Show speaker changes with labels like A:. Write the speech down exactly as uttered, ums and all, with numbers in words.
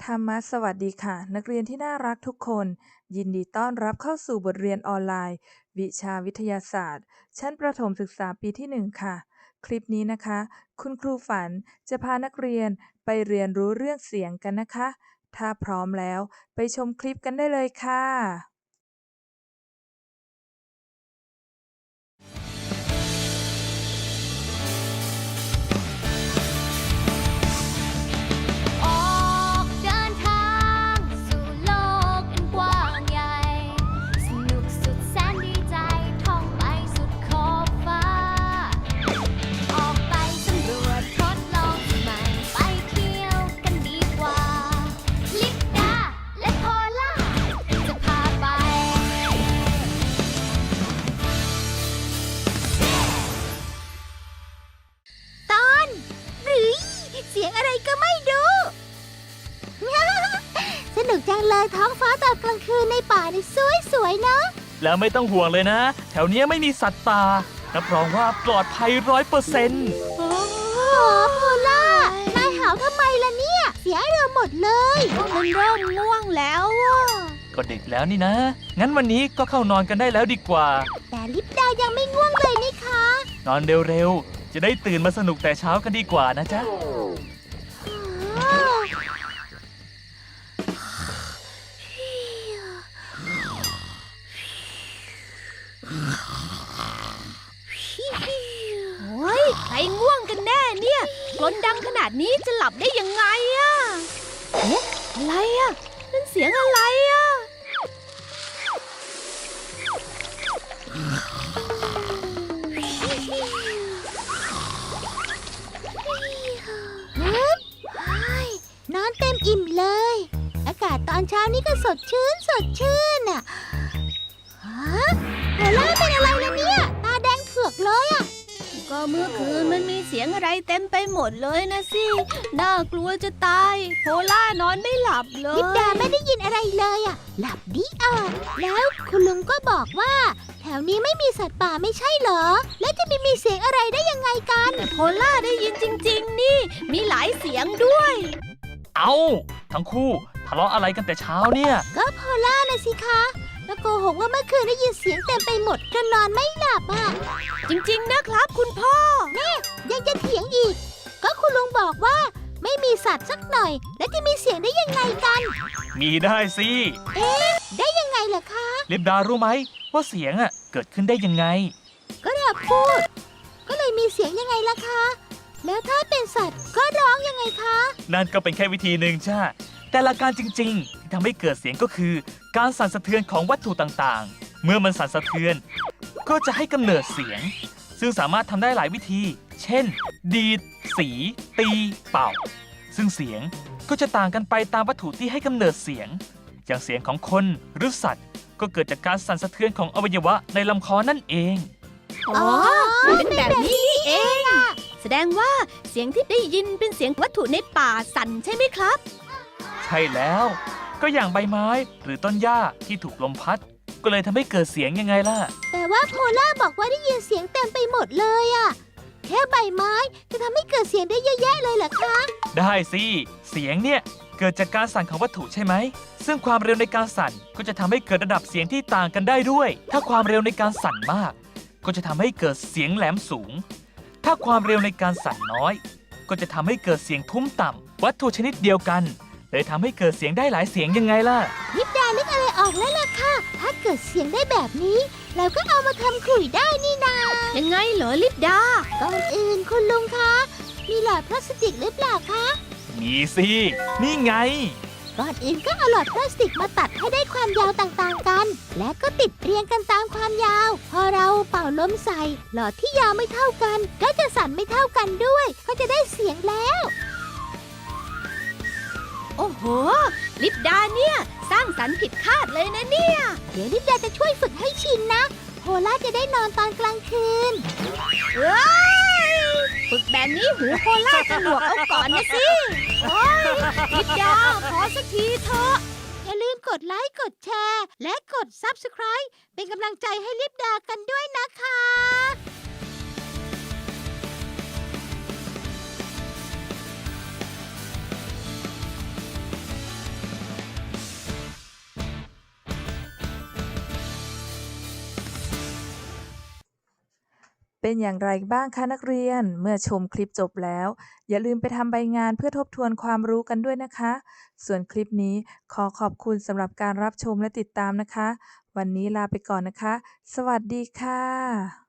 A: ธรรมะสวัสดีค่ะนักเรียนที่น่ารักทุกคนยินดีต้อนรับเข้าสู่บทเรียนออนไลน์วิชาวิทยาศาสตร์ชั้นประถมศึกษาปีที่หนึ่งค่ะคลิปนี้นะคะคุณครูฝันจะพานักเรียนไปเรียนรู้เรื่องเสียงกันนะคะถ้าพร้อมแล้วไปชมคลิปกันได้เลยค่ะ
B: ออกเดินทางสู่โลกอันกว้างใหญ่สนุกสุดแสนดีใจท่องไปสุดขอบฟ้าออกไปสำรวจทดลองสิ่งใหม่ไปเที่ยวกันดีกว่าลิปดาและโพล่าจะพาไปตอนหรือเสียงอะไรก็ไม่รู้ สนุกจังเลยท้องฟ้าตอนกลางคืนในป่านี่สวยๆเนาะ
C: แล้วไม่ต้องห่วงเลยนะ แถวเนี้ยไม่มีสัตว์ป่ารับรองว่าปลอดภัยร้อยเปอร์เซ็นต์
B: โอ้โพล่านายหาวทำไมล่ะเนี่ย เสียเรือหมดเลยมันเริ่มง่วงแล้วอ่ะ
C: ก็ดึกแล้วนี่นะ งั้นวันนี้ก็เข้านอนกันได้แล้วดีกว่า
B: แต่ลิปดายังไม่ง่วงเลยนี่คะ
C: นอนเร็วๆ จะได้ตื่นมาสนุกแต่เช้ากันดีกว่านะจ๊ะ
B: โอ้ยใครง่วงกันแน่เนี่ยกลนดังขนาดนี้จะหลับได้ยังไงอะเอ๊ะอะไรอะนั่นเสียงอะไรอะฮึบนอนเต็มอิ่มเลย อากาศตอนเช้านี้ก็สดชื่นสดชื่นอะฮะโพล่าเป็นอะไรล่ะเนี่ย ตาแดงเผือกเลยอะ ก็เมื่อคืนมันมีเสียงอะไรเต็มไปหมดเลยนะสิ น่ากลัวจะตาย โพล่านอนไม่หลับเลยลิปดาไม่ได้ยินอะไรเลยอ่ะ หลับดีอ่ะ แล้วคุณลุงก็บอกว่า แถวนี้ไม่มีสัตว์ป่าไม่ใช่เหรอ แล้วจะมีมีเสียงอะไรได้ยังไงกันแต่โพล่าได้ยินจริงๆนี่ มีหลายเสียงด้วย
C: เอาทั้งคู่ทะเลาะอะไรกันแต่เช้าเนี่ย
B: ก็โพล่านะสิคะ แล้วโกหกว่าเมื่อคืนได้ยินเสียงเต็มไปหมดจนนอนไม่หลับอ่ะ จริงๆนะครับคุณพ่อแม่ยังจะเถียงอีก ก็คุณลุงบอกว่าไม่มีสัตว์สักหน่อย แล้วจะมีเสียงได้ยังไงกัน
C: มีได้สิ
B: เอ๊ะ ได้ยังไงล่ะคะ
C: ลิปดารู้ไหมว่าเสียงอ่ะเกิดขึ้นได้ยังไง
B: ก็เราพูด ก็เลยมีเสียงยังไงล่ะคะ แล้วถ้าเป็นสัตว์ก็ร้องยังไงคะ
C: นั่นก็เป็นแค่วิธีหนึ่งจ้าแต่หลักการจริงๆที่ทำให้เกิดเสียงก็คือ การสั่นสะเทือนของวัตถุต่างๆ เมื่อมันสั่นสะเทือน ก็จะให้กำเนิดเสียง ซึ่งสามารถทำได้หลายวิธี เช่น ดีด สี ตี เป่า ซึ่งเสียงก็จะต่างกันไปตามวัตถุที่ให้กำเนิดเสียง อย่างเสียงของคนหรือสัตว์ ก็เกิดจากการสั่นสะเทือนของอวัยวะในลำคอนั่นเอง
B: อ๋อ เป็นแบบนี้นี่เอง แสดงว่าเสียงที่ได้ยินเป็นเสียงวัตถุในป่าสั่นใช่ไหมครับ
C: ใช่แล้ว ก็อย่างใบไม้หรือต้นหญ้าที่ถูกลมพัด ก็เลยทำให้เกิดเสียงยังไงล่ะ
B: แต่ว่าโพล่าบอกว่าได้ยินเสียงเต็มไปหมดเลยอะแค่ใบไม้จะทำให้เกิดเสียงได้เยอะแยะเลยเหรอคะ
C: ได้สิ เสียงเนี่ยเกิดจากการสั่นของวัตถุใช่ไหม ซึ่งความเร็วในการสั่นก็จะทำให้เกิดระดับเสียงที่ต่างกันได้ด้วย ถ้าความเร็วในการสั่นมาก ก็จะทำให้เกิดเสียงแหลมสูง ถ้าความเร็วในการสั่นน้อย ก็จะทำให้เกิดเสียงทุ้มต่ำวัตถุชนิดเดียวกันเลยทำให้เกิดเสียงได้หลายเสียงยังไงล่ะ
B: ลิปดานึกอะไรออกแล้วล่ะค่ะ ถ้าเกิดเสียงได้แบบนี้ เราก็เอามาทำขลุ่ยได้นี่นา ยังไงเหรอลิปดา ก่อนอื่นคุณลุงคะ มีหลอดพลาสติกหรือเปล่าคะ
C: มีสิ นี่ไง
B: ก่อนอื่นก็เอาหลอดพลาสติกมาตัดให้ได้ความยาวต่างๆกัน และก็ติดเรียงกันตามความยาว พอเราเป่าลมใส่ หลอดที่ยาวไม่เท่ากัน ก็จะสั่นไม่เท่ากันด้วย ก็จะได้เสียงแล้ว โอ้โห ลิปดาเนี่ยสร้างสรรค์ผิดคาดเลยนะเนี่ย เดี๋ยวลิปดาจะช่วยฝึกให้ชินนะ โพล่าจะได้นอนตอนกลางคืนเอ้ยฝึกแบบนี้หูโพล่าจะหนวกเอาก่อนนะสิโอ้ยลิปดาขอสักทีเถอะ อย่าลืมกดไลค์ กดแชร์ และกด ซับสไครบ์ เป็นกำลังใจให้ลิปดากันด้วยนะคะ
A: เป็นอย่างไรบ้างคะนักเรียน เมื่อชมคลิปจบแล้ว อย่าลืมไปทำใบงานเพื่อทบทวนความรู้กันด้วยนะคะ ส่วนคลิปนี้ขอขอบคุณสำหรับการรับชมและติดตามนะคะ วันนี้ลาไปก่อนนะคะ สวัสดีค่ะ